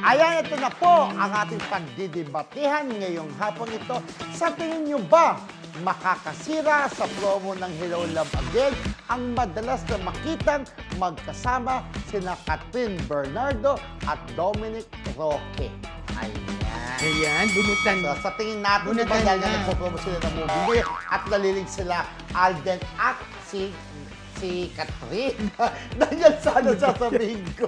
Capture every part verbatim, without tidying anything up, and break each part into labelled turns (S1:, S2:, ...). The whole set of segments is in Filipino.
S1: Ayan, ito na po ang ating pagdidebatehan ngayong hapon ito. Sa tingin nyo ba, makakasira sa promo ng Hello Love Again ang madalas na makitang magkasama sina Catherine Bernardo at Dominic Roque? Ayan.
S2: Ayan, bunutan.
S1: So, sa tingin natin, di ba,
S2: Bunutan
S1: dahil
S2: na.
S1: na nagpo-promo sila ng movie at nalilig sila Alden at si si Catherine. Dahil sana sasabihin ko.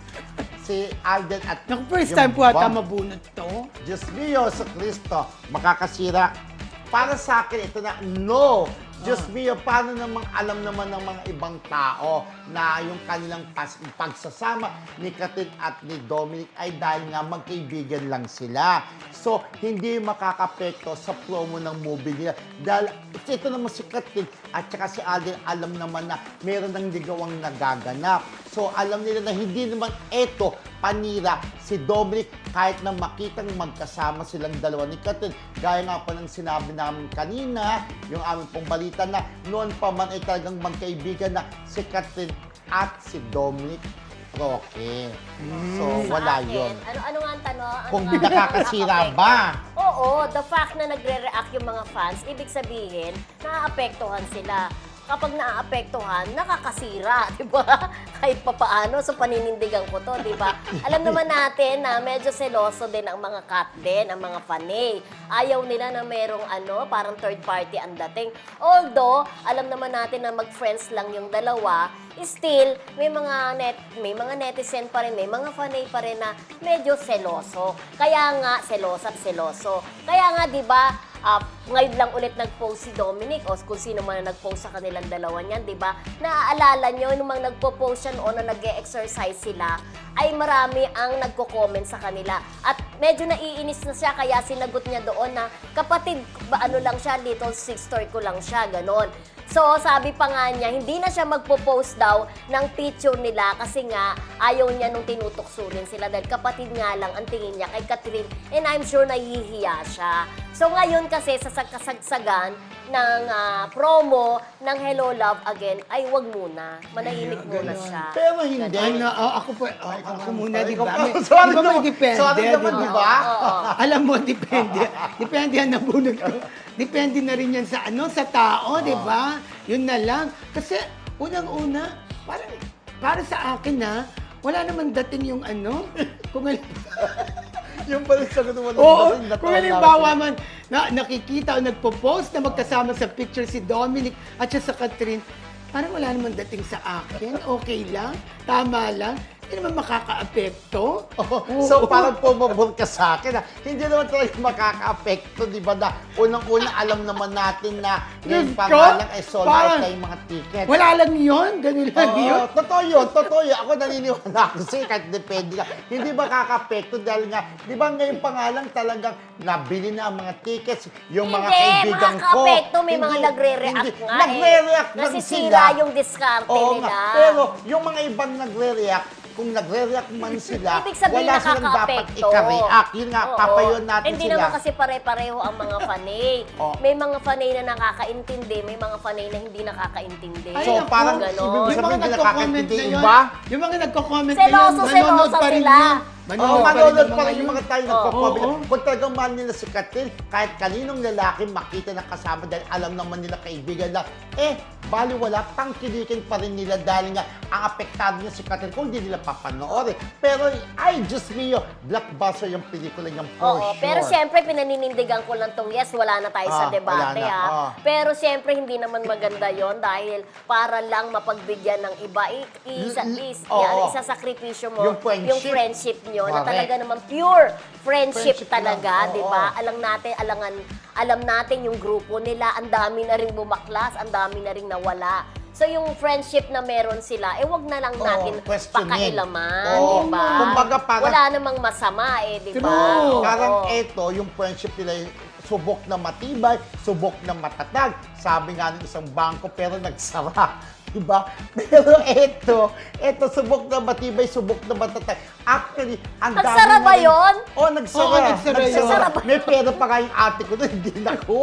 S1: Si Alden at
S2: Naku, first
S1: yung
S2: time po ata
S1: bang-
S2: mabunot to.
S1: Diyos mio, sa Kristo, makakasira. Para sa akin, ito na, no! Diyos mio, paano namang alam naman ng mga ibang tao na yung kanilang pas- pagsasama ni Catherine at ni Dominic ay dahil nga magkaibigan lang sila. So, hindi makakapekto sa promo ng movie nila. Dahil ito naman si Catherine at saka si Alden, alam naman na meron ng ligawang nagaganap. So, alam nila na hindi naman eto panira si Dominic kahit na makitang magkasama silang dalawa ni Catherine. Gaya nga pa ng sinabi namin kanina, yung aming pong balita na noon pa man ay talagang magkaibigan na si Catherine at si Dominic Roque. So,
S3: Sa
S1: wala
S3: akin,
S1: yun.
S3: Ano, ano nga ang tanong? Ano
S1: Kung
S3: nga ang
S1: nakakasira
S3: nakaka-apekto?
S1: ba?
S3: Oo, the fact na nagre-react yung mga fans, ibig sabihin, naaapektuhan sila. Kapag naaapektuhan, nakakasira, di ba? Kahit papaano, so paninindigan ko to, di ba? Alam naman natin na medyo seloso din ang mga cat din, ang mga fanay. Ayaw nila na merong ano, parang third party ang dating. Although, alam naman natin na mag-friends lang yung dalawa, still, may mga net, may mga netizen pa rin, may mga fanay pa rin na medyo seloso. Kaya nga, seloso at seloso. Kaya nga, di ba, Uh, ngayon lang ulit nag-post si Dominic o kung sino man na nag-post sa kanilang dalawa niyan, di ba? Naaalala nyo, nung mga nagpo-post yan o na nag-e-exercise sila, ay marami ang nagko-comment sa kanila. At medyo naiinis na siya, kaya sinagot niya doon na, kapatid, ba, ano lang siya, little sister ko lang siya, ganon. So, sabi pa nga niya, hindi na siya magpo-post daw ng picture nila kasi nga ayaw niya nung tinutuksurin sila dahil kapatid nga lang ang tingin niya kay Catherine and I'm sure nahihiya siya. So, ngayon kasi sa kasagsagan ng ah, promo ng Hello Love Again, ay wag muna. Manahimik
S2: Ayun,
S3: muna
S2: ganon.
S3: siya.
S1: Pero hindi.
S2: Ano, oh, ako po, oh, ako muna, di ba?
S1: Ikaw-
S2: May-
S1: Sorry
S2: di ba may
S1: naman,
S2: depende,
S1: sorry naman,
S2: di
S1: di
S2: ba?
S1: ba?
S3: Oo.
S2: Alam mo, depende. Depende yan nabunod ko. Depende na rin yan sa ano, sa tao, di ba? Yun na lang. Kasi, unang-una, parang, para sa akin na, wala naman dating yung ano, kung al-
S1: Yung pala sagot mo
S2: Oo, kung halimbawa man na, nakikita o nagpo-post na magkasama sa picture si Dominic at siya sa Catherine, parang wala naman dating sa akin. Okay lang, tama lang. Hindi naman makaka-apekto.
S1: So,
S2: Oo.
S1: parang pumabor ka sa akin. Ha? Hindi naman talaga makaka-apekto, di ba? Na unang-una, alam naman natin na yung
S2: Diyos
S1: pangalan
S2: ko,
S1: ay sold out
S2: parang
S1: na yung mga tickets.
S2: Wala lang yun, ganun lang
S1: Oo,
S2: yun.
S1: totoo yun, totoo yun. Ako naniniwala ako sa'yo, kahit depende lang. Hindi makaka-apekto dahil nga, di ba ngayon pa nga lang talagang nabili na ang mga tickets, yung mga
S3: Hindi,
S1: kaibigan ko.
S3: makaka-apekto. May mga
S1: Hindi,
S3: nagre-react
S1: hindi.
S3: nga
S1: Nagre-react
S3: eh.
S1: lang
S3: Nasisira
S1: sila.
S3: yung diskarte
S1: Oo
S3: nila.
S1: nga. Pero yung mga ibang nagre-react, kung nagre-react man sila,
S3: Ibig sabihin
S1: wala silang dapat
S3: nakaka-apekto.
S1: ika-react. Yun nga,
S3: Oo.
S1: papayon natin
S3: Hindi
S1: sila.
S3: naman kasi pare-pareho ang mga fanay.
S1: Oo.
S3: May mga fanay na nakakaintindi, may mga fanay na hindi nakakaintindi.
S1: So,
S2: naku,
S1: parang
S3: ganon.
S1: ibig
S2: yung mga
S1: sabihin nila
S2: nagko-comment
S1: kakaintindi,
S2: na yun,
S1: iba?
S2: yung mga nagko-comment
S3: Seloso,
S2: na yun, manonood
S3: seloso
S2: pa rin
S3: sila.
S2: yun.
S1: Oo,
S2: Manonood pa rin
S1: manonood
S2: yung
S1: pa rin
S2: mga
S1: yung
S2: yun.
S1: mga tayo
S3: Oo.
S1: nagko-comment.
S2: Oo.
S1: Kung talagang mahal nila si Catherine, kahit kaninong lalaki makita na kasama dahil alam naman nila kaibigan lang, eh, bali wala, tangkilikin pa rin nila dahil nga ang apektado niya si Catherine kung hindi nila papanoorin. Pero, ay, Diyos mio, blockbuster yung pelikula niyang for
S3: Oo,
S1: sure.
S3: pero siyempre pinaninindigan ko lang tong yes, wala na tayo
S1: Ah,
S3: sa debate
S1: wala na,
S3: ha.
S1: ah.
S3: Pero siyempre hindi naman maganda yon dahil para lang mapagbigyan ng iba, i- isa,
S1: L-
S3: is,
S1: oo.
S3: yan, isasakripisyo mo
S1: Yung friendship.
S3: friendship nyo na
S1: Correct.
S3: talaga naman pure friendship,
S1: Friendship
S3: talaga,
S1: lang,
S3: di
S1: oo.
S3: ba? Alam natin, alangan, alam natin yung grupo nila, ang dami na ring bumaklas, ang dami na ring nawala. So yung friendship na meron sila, eh wag na lang
S1: Oo,
S3: natin
S1: questionin.
S3: pakailaman,
S1: Oo.
S3: di ba?
S1: Kumbaga parang-
S3: Wala namang masama eh, di ba?
S2: True.
S3: Oo.
S1: Parang eto, yung friendship nila, yung subok na matibay, subok na matatag. Sabi nga ng isang bangko, pero nagsara. Diba? Pero eto, eto, subok na matibay, subok na matatag. Actually, ang dami
S3: Nagsara
S1: na
S3: ba
S1: rin-
S3: yun?
S1: Oo, nagsara.
S2: Oo, nagsara yun.
S3: Nagsara ba?
S1: May pera pa nga yung ate ko na hindi nakuha.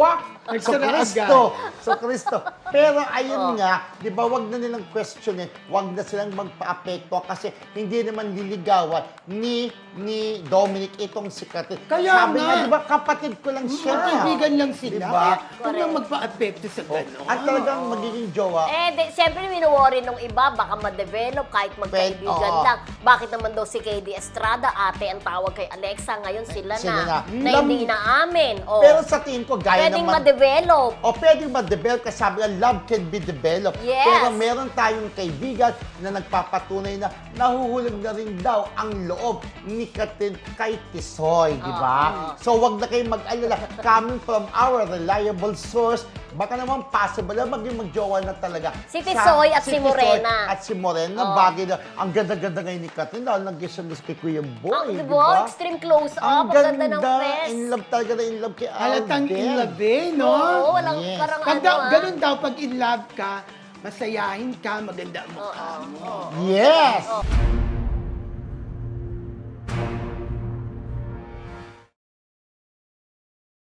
S1: So,
S2: Nagsara
S1: Kristo.
S2: agad.
S1: So, Kristo. Pero ayun
S3: Oh.
S1: nga, di ba, wag na nilang questionin, wag na silang magpa-apekto kasi hindi naman liligawan ni ni Dominic itong si Catherine.
S2: Kaya
S1: Sabi
S2: nga.
S1: nga, di ba, kapatid ko lang siya.
S2: Magkaibigan lang sila.
S1: Di ba?
S2: Kaya huwag
S3: Correct.
S2: nang magpa-apekto sa gano'n.
S1: At talagang magiging jowa.
S3: Eh, di, siyempre, minowori nung iba, baka ma-develop kahit magkaibigan
S1: oo.
S3: lang. Bakit naman daw si K D Estrada, ate ang tawag kay Alexa, ngayon sila,
S1: Sila
S3: na.
S1: na.
S3: Na,
S1: Lam-
S3: hindi inaamin. Oh.
S1: Pero sa tingin ko, gaya
S3: Pwedeng
S1: naman...
S3: ma-develop.
S1: O pwedeng ma-develop kasi sabi nga, love can be developed.
S3: Yes.
S1: Pero meron tayong kaibigan na nagpapatunay na nahuhulog na rin daw ang loob ni Katin kay Tisoy, di ba? So wag na kayong mag-alala. Coming from our reliable source, baka naman possible na maging magjowa na talaga.
S3: Si Tisoy at si
S1: Tisoy
S3: Morena.
S1: At si Morena,
S3: Oo.
S1: bagay na. Ang ganda-ganda ngayon ni Katin, dahil nag-gisamis kay Kuya Boy,
S3: Ang,
S1: di
S3: di
S1: ba?
S3: ba? Extreme close-up. Ang ganda ng face.
S1: In love talaga na in love kay
S2: Halatang
S1: Alden.
S2: in love eh, no?
S3: Oo, walang
S1: Yes.
S3: parang
S2: Pag
S3: ano
S2: daw,
S3: ah.
S2: ganun daw, pag in love ka, masayahin ka, maganda ang mukha mo.
S1: Yes!
S3: Oo.